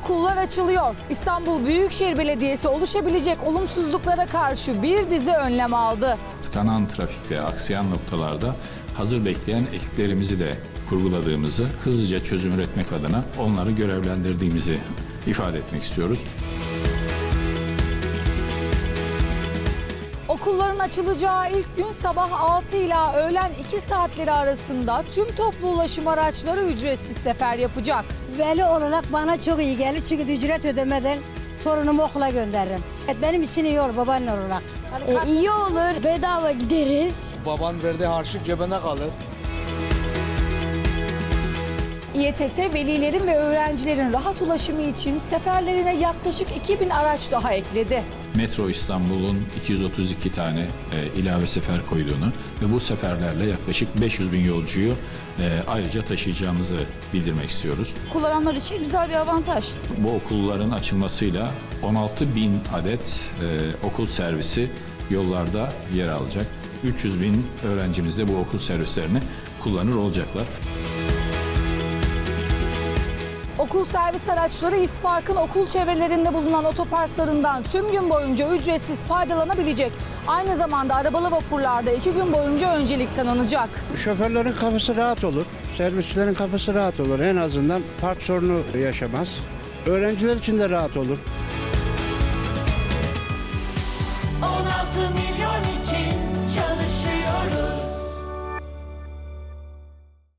Okullar açılıyor. İstanbul Büyükşehir Belediyesi oluşabilecek olumsuzluklara karşı bir dizi önlem aldı. Tıkanan trafikte, aksayan noktalarda hazır bekleyen ekiplerimizi de kurguladığımızı, hızlıca çözüm üretmek adına onları görevlendirdiğimizi ifade etmek istiyoruz. Okulların açılacağı ilk gün sabah 6 ila öğlen 2 saatleri arasında tüm toplu ulaşım araçları ücretsiz sefer yapacak. Veli olarak bana çok iyi gelir çünkü ücret ödemeden torunumu okula gönderirim. Benim için iyi olur babaanne olarak. İyi olur, bedava gideriz. Baban verdiği harçlık cebine kalır. İETT velilerin ve öğrencilerin rahat ulaşımı için seferlerine yaklaşık 2000 araç daha ekledi. Metro İstanbul'un 232 tane ilave sefer koyduğunu ve bu seferlerle yaklaşık 500 bin yolcuyu ayrıca taşıyacağımızı bildirmek istiyoruz. Kullananlar için güzel bir avantaj. Bu okulların açılmasıyla 16 bin adet okul servisi yollarda yer alacak. 300 bin öğrencimiz de bu okul servislerini kullanır olacaklar. Okul servis araçları İspark'ın okul çevrelerinde bulunan otoparklarından tüm gün boyunca ücretsiz faydalanabilecek. Aynı zamanda arabalı vapurlarda 2 gün boyunca öncelik tanınacak. Şoförlerin kafası rahat olur, servisçilerin kafası rahat olur. En azından park sorunu yaşamaz. Öğrenciler için de rahat olur. 16 milyon